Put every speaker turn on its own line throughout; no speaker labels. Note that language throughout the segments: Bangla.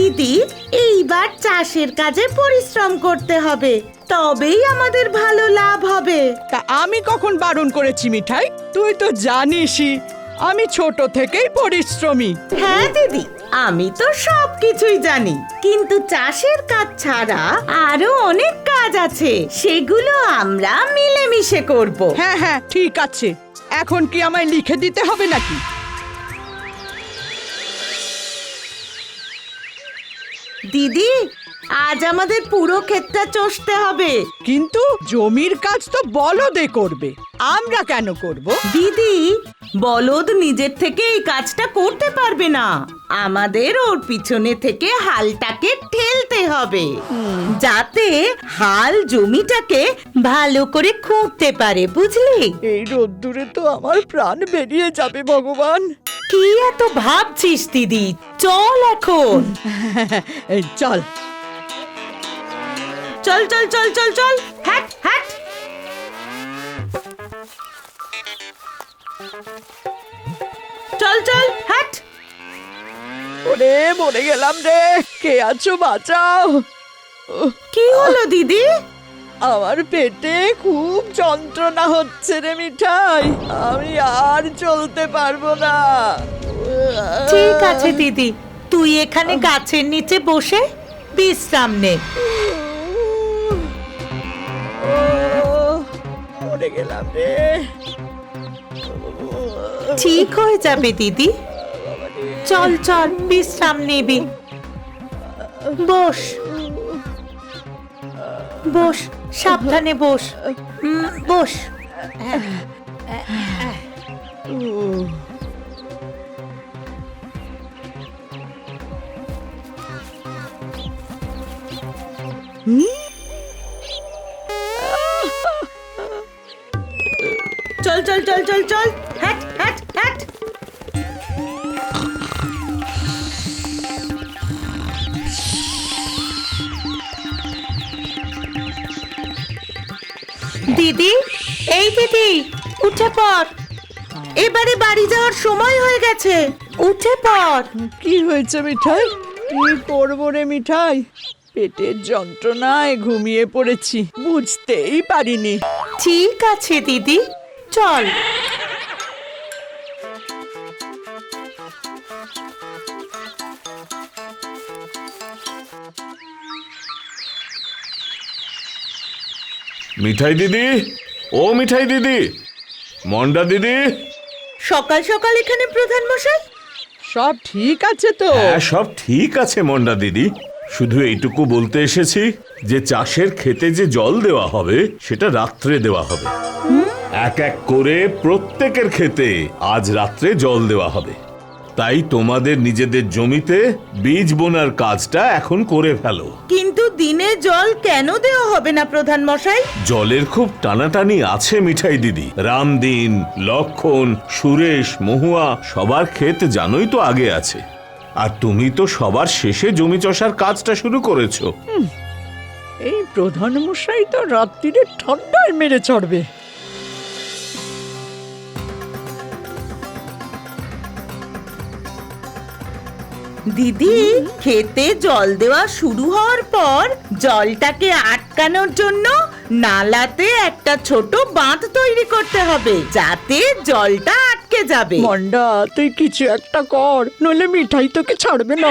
দিদি, এইবার চাষের কাজে পরিশ্রম করতে হবে, তবেই আমাদের ভালো লাভ হবে।
তা আমি কখন বারণ করেছি মিঠাই? তুই তো জানিসই আমি ছোট থেকেই পরিশ্রমী।
হ্যাঁ দিদি, আমি তো সবকিছুই জানি, কিন্তু চাষের কাজ ছাড়া আরো অনেক কাজ আছে, সেগুলো আমরা মিলেমিশে করব।
হ্যাঁ হ্যাঁ ঠিক আছে, এখন কি আমায় লিখে দিতে হবে নাকি?
দিদি, আজ আমাদের পুরো ক্ষেতটা চষতে হবে।
কিন্তু জমির কাজ তো বলদে করবে, আমরা কেন করব?
দিদি, বলদ নিজের থেকে এই কাজটা করতে পারবে না, আমাদের ওর পিছনে থেকে হালটাকে ঠেলতে হবে, যাতে হাল জমিটাকে ভালো করে খুঁড়তে পারে, বুঝলি?
এই রোদ্দুরে তো আমার প্রাণ বেরিয়ে যাবে ভগবান।
কি এত ভাবছিস দিদি, চল এখন।
এই চল
চল চল চল চল চল, হ্যাট হ্যাট। চল চল হ্যাট।
ওরে মরে গেলাম রে, কে আছো বাঁচাও।
কি হলো দিদি?
আমার পেটে খুব যন্ত্রণা হচ্ছে রে মিঠাই, আমি আর চলতে পারবো না।
ঠিক আছে দিদি, তুই এখানে গাছের নিচে বসে বিশ্রাম নে।
মরে গেলাম রে।
ঠিক হয়ে যাবে দিদি, চল চল বিশ্রাম নিবি। বস বস, সাবধানে বস, বস। চল চল চল চল চল, হ্যাট হ্যাট হ্যাট। দিদি, এই দিদি, উঠে পড়, এবারে বাড়ি যাওয়ার সময় হয়ে গেছে, উঠে পড়।
কি হয়েছে মিঠাই? কি করবো রে মিঠাই, পেটের যন্ত্রণায় ঘুমিয়ে পড়েছি, বুঝতেই পারিনি।
ঠিক আছে দিদি, চল।
মিঠাই দিদি, ও মিঠাই দিদি, মন্ডা দিদি।
সকাল সকাল এখানে প্রধান মশাই?
সব ঠিক আছে তো?
হ্যাঁ সব ঠিক আছে মন্ডা দিদি, শুধু এইটুকু বলতে এসেছি যে চাষের ক্ষেতে যে জল দেওয়া হবে সেটা রাত্রে দেওয়া হবে। এক এক করে প্রত্যেকের ক্ষেতে আজ রাত্রে জল দেওয়া হবে, তাই তোমাদের নিজেদের জমিতে বীজ বোনার কাজটা এখন করে ফেলো।
কিন্তু দিনে জল কেন দেওয়া হবে না প্রধান মশাই?
জলের খুব টানাটানি আছে মিঠাই দিদি, রামদিন, লক্ষণ, সুরেশ, মহুয়া সবার ক্ষেত জানোই তো আগে আছে, আর তুমি তো সবার শেষে জমি চষার কাজটা শুরু করেছো।
এই প্রধান মশাই তো রাত্রিরে ঠান্ডায় মেরে চড়বে।
দিদি, খেতে জল দেওয়া শুরু হওয়ার পর জলটাকে আটকানোর জন্য নালাতে একটা ছোট বাঁধ তৈরি করতে হবে, যাতে জলটা আটকে যাবে।
মন্ডা তুই কিছু একটা কর, নইলে মিঠাই তোকে ছাড়বে না।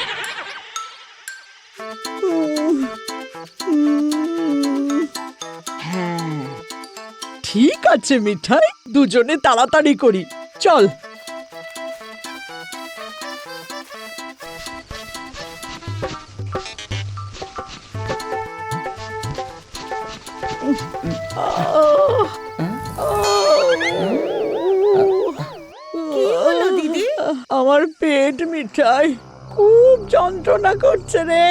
হ্যাঁ ঠিক আছে মিঠাই, দুজনে তাড়াতাড়ি করি, চল।
কি হলো দিদি?
আমার পেট মিঠাই খুব যন্ত্রণা করছে রে।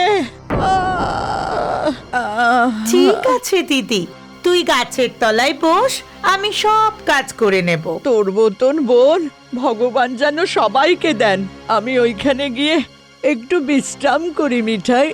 ঠিক আছে দিদি, তুই গাছের তলায় বস, আমি সব কাজ করে নেব।
তোর মতন বোন ভগবান যেন সবাইকে দেন। আমি ওইখানে গিয়ে একটু বিশ্রাম করি মিঠাই।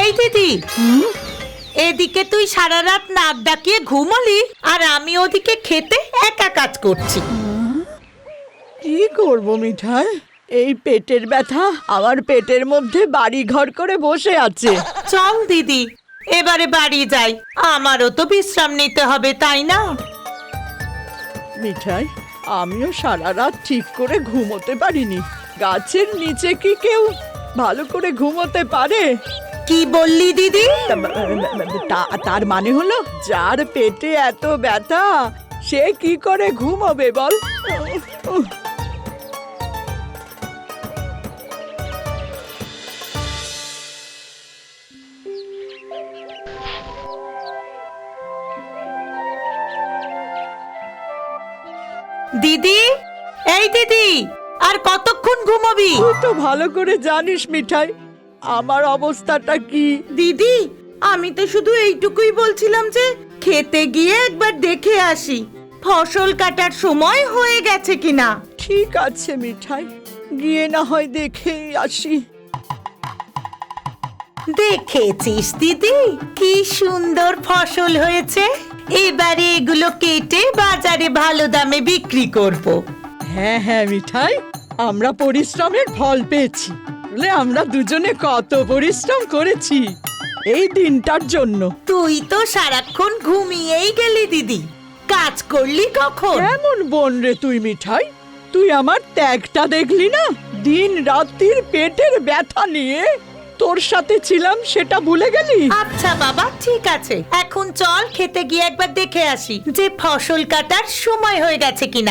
এই দিদি, এদিকে তুই সারা রাত নাক ডাকিয়ে ঘুমালি, আর আমি ওদিকে খেতে একা কাজ করছি।
কি করব মিঠাই, এই পেটের ব্যথা আমার পেটের মধ্যে বাড়ি ঘর করে বসে আছে।
চল দিদি, এবারে বাড়ি যাই, আমারও তো বিশ্রাম নিতে হবে, তাই না?
মিঠাই, আমিও সারা রাত ঠিক করে ঘুমোতে পারিনি। গাছের নিচে কি কেউ ভালো করে ঘুমোতে পারে?
কি বললি দিদি?
তার মানে হলো যার পেটে এত ব্যথা সে কি করে ঘুমোবে বল?
দিদি, এই দিদি, আর কতক্ষণ ঘুমাবি?
তুই তো ভালো করে জানিস মিঠাই আমার অবস্থাটা কি।
দিদি, আমি তো শুধু এইটুকুই বলছিলাম যে খেতে গিয়ে একবার দেখে আসি ফসল কাটার সময় হয়ে গেছে কিনা।
ঠিক আছে মিঠাই, গিয়ে না হয় দেখেই আসি।
দেখেছিস দিদি, কি সুন্দর ফসল হয়েছে, এবারে এগুলো কেটে বাজারে ভালো দামে বিক্রি করব।
হ্যাঁ হ্যাঁ মিঠাই, আমরা পরিশ্রমের ফল পেয়েছি। বলে আমরা দুজনে কত পরিশ্রম করেছি এই দিনটার জন্য।
তুই তো সারাক্ষণ ঘুমিয়েই গেলি দিদি, কাজ করলি কখন?
কেমন বোন রে তুই মিঠাই, তুই আমার ত্যাগটা দেখলি না? দিন রাত্রির পেটের ব্যথা নিয়ে তোর সাথে ছিলাম সেটা ভুলে গেলি?
আচ্ছা বাবা, ঠিক আছে, এখন চল খেতে গিয়ে একবার দেখে আসি যে ফসল কাটার সময় হয়ে গেছে কিনা।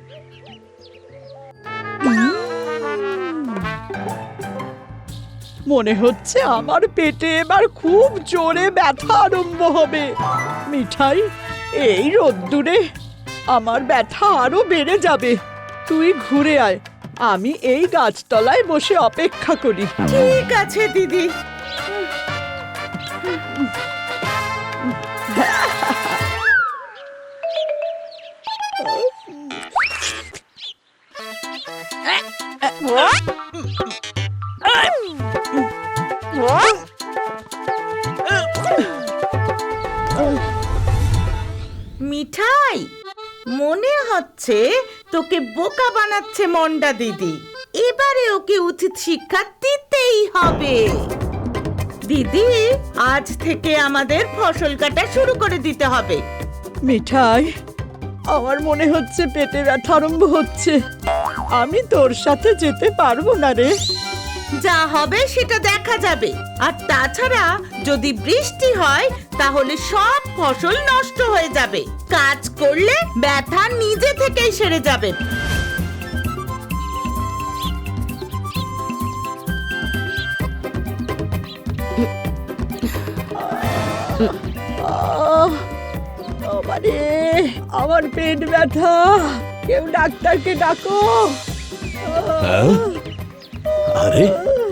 মনে হচ্ছে আমার পেটে এবার খুব জোরে ব্যথা আরম্ভ হবে। মিঠাই, এই রোদ্দুরে আমার ব্যথা আরো বেড়ে যাবে। তুই ঘুরে আয়, আমি এই গাছতলায় বসে অপেক্ষা করি।
ঠিক আছে দিদি। মিঠাই, মনে হচ্ছে তোকে বোকা বানাচ্ছে মন্ডা দিদি, এবারে ওকে উচিত শিক্ষা দিতেই হবে। দিদি, আজ থেকে আমাদের ফসল কাটা শুরু করে দিতে হবে।
মিঠাই, আমার মনে হচ্ছে পেটে ব্যথা আরম্ভ হচ্ছে। আমি তোর সাথে যেতে পারবো না রে।
যা হবে সেটা দেখা যাবে, আর তাছাড়া যদি বৃষ্টি হয় তাহলে সব ফসল নষ্ট হয়ে যাবে। কাজ করলে ব্যথা নিজে থেকেই সেরে যাবে।
বাবারে, আমার পেট ব্যথা, কেউ ডাক্তারকে ডাকো।
আরে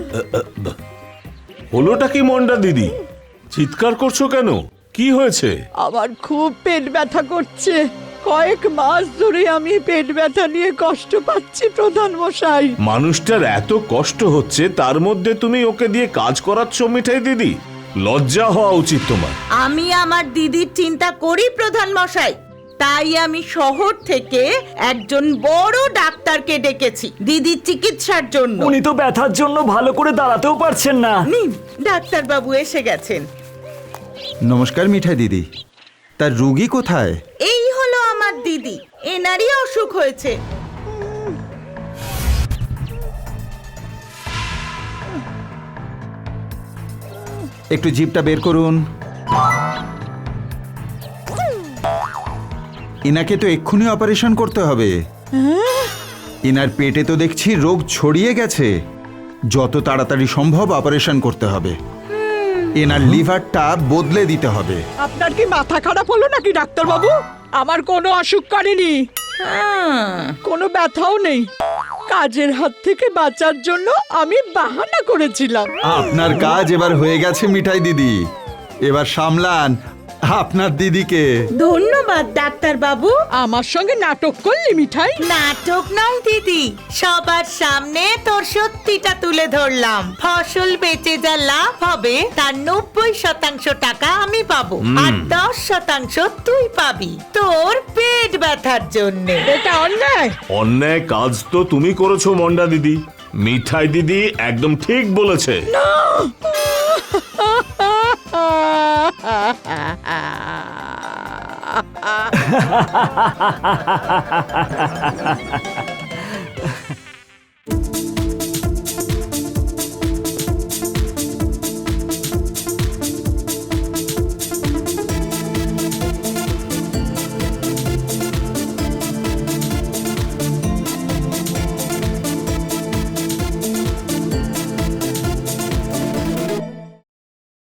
হলোটা কি মন্ডা দিদি, চিৎকার করছো কেন? কি হয়েছে?
আমার খুব পেট ব্যথা করছে। কয়েক মাস ধরে আমি পেট ব্যথা নিয়ে কষ্ট পাচ্ছি প্রধান মশাই।
মানুষটার এত কষ্ট হচ্ছে, তার মধ্যে তুমি ওকে দিয়ে কাজ করাচ্ছ মিঠাই দিদি? লজ্জা হওয়া উচিত তোমার।
আমি আমার দিদির চিন্তা করি প্রধান মশাই, তাই আমি শহর থেকে একজন বড় ডাক্তারকে ডেকেছি দিদির চিকিৎসার জন্য।
উনি তো ব্যথার জন্য ভালো করে দাঁড়াতেও পারছেন না।
নিন, ডাক্তার বাবু এসে গেছেন।
নমস্কার মিঠাই দিদি, তার রোগী কোথায়?
এই হলো আমার দিদি, এনারই অসুখ হয়েছে।
একটু জিভটা বের করুন। ইনাকে তো এক্ষুনি অপারেশন করতে হবে। ইনার পেটে তো দেখছি রোগ ছড়িয়ে গেছে, যত তাড়াতাড়ি সম্ভব অপারেশন করতে হবে। এনার লিভারটা বদলে দিতে হবে।
আপনার কি মাথা খারাপ হলো নাকি ডাক্তার বাবু? আমার কোনো অসুখ করেনি, কোনো ব্যথাও নেই। কাজের হাত থেকে বাঁচার জন্য আমি বাহানা করেছিলাম।
আপনার কাজ এবার হয়ে গেছে মিঠাই দিদি, এবার সামলান আপনার দিদিকে।
ধন্যবাদ ডাক্তার বাবু।
আমার সঙ্গে নাটক করলি মিঠাই?
নাটক নয় দিদি, সবার সামনে তোর সত্যিটা তুলে ধরলাম। ফসল বেচে যা লাভ হবে তার 90% টাকা আমি পাবো, আর 10% তুই পাবি তোর পেট ব্যথার জন্যে।
এটা অন্যায়।
অন্যায় কাজ তো তুমি করেছো মন্ডা দিদি। মিঠাই দিদি একদম ঠিক বলেছে।